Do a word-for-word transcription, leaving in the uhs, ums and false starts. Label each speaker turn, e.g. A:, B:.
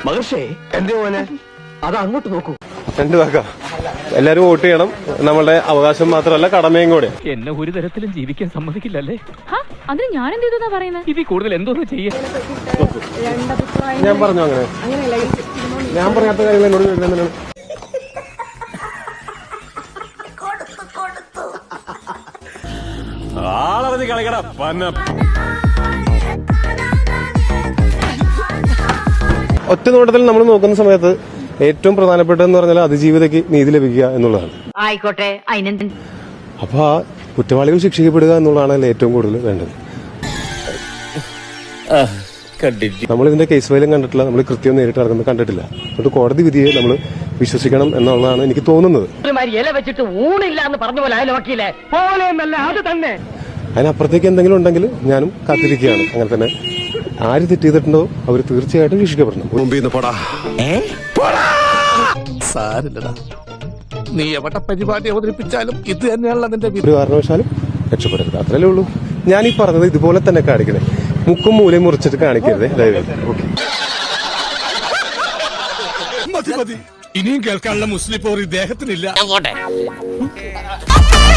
A: മഹർഷേ എന്തേ മോനെ അത് അങ്ങോട്ട് നോക്കൂ.
B: രണ്ട് വാക്ക എല്ലാരും വോട്ട് ചെയ്യണം. നമ്മളുടെ അവകാശം മാത്രമല്ല കടമയും കൂടെ.
C: എന്നെ ഒരു തരത്തിലും ജീവിക്കാൻ സമ്മതിക്കില്ലല്ലേ?
D: അതിന് ഞാൻ എന്ത് ചെയ്തു പറയുന്നത്?
C: ഇതിൽ കൂടുതൽ എന്തോന്ന് ചെയ്യാൻ?
B: ഞാൻ പറഞ്ഞു അങ്ങനെ ഞാൻ പറയാത്ത കാര്യങ്ങൾ എന്നോട് ചോദിക്കുന്നതിനാണ്. ആളറിഞ്ഞ് കളിക്കട പന്ന. ഒറ്റ നോട്ടത്തിൽ നമ്മൾ നോക്കുന്ന സമയത്ത് ഏറ്റവും പ്രധാനപ്പെട്ടതെന്ന് പറഞ്ഞാൽ അതിജീവിതയ്ക്ക് നീതി ലഭിക്കുക എന്നുള്ളതാണ്.
D: ആയിക്കോട്ടെ.
B: അപ്പൊ ആ കുറ്റവാളികൾ ശിക്ഷിക്കപ്പെടുക എന്നുള്ളതാണ് ഏറ്റവും കൂടുതൽ വേണ്ടത്. നമ്മൾ ഇതിന്റെ കേസ് ഫയലും കണ്ടിട്ടില്ല, നമ്മൾ കൃത്യം നേരിട്ട് നടക്കുന്നത് കണ്ടിട്ടില്ല. അതുകൊണ്ട് കോടതി വിധിയെ നമ്മൾ വിശ്വസിക്കണം എന്നുള്ളതാണ് എനിക്ക് തോന്നുന്നത്. അതിനപ്പുറത്തേക്ക് എന്തെങ്കിലും ഉണ്ടെങ്കിൽ ഞാനും കാത്തിരിക്കുകയാണ്. അങ്ങനെ തന്നെ ആര് തെറ്റ് ചെയ്തിട്ടുണ്ടോ അവർ തീർച്ചയായിട്ടും ശിക്ഷിക്കപ്പെടണം.
A: നീ എവിടെ പരിപാടി അവതരിപ്പിച്ചാലും ഇത് തന്നെയാണല്ലോ നിന്റെ
B: ഒരു കാരണവശാലും രക്ഷപ്പെടരുത്. അത്രയല്ലേ ഉള്ളൂ. ഞാൻ ഈ പറഞ്ഞത് ഇതുപോലെ തന്നെ കാണിക്കണേ. മുക്കും മൂലയും മുറിച്ചിട്ട് കാണിക്കരുതേ ദയവായി. ഓക്കെ,
A: ഇനിയും കേൾക്കാനുള്ള മുസ്ലിം പോർ ഇദ്ദേഹത്തിനില്ല.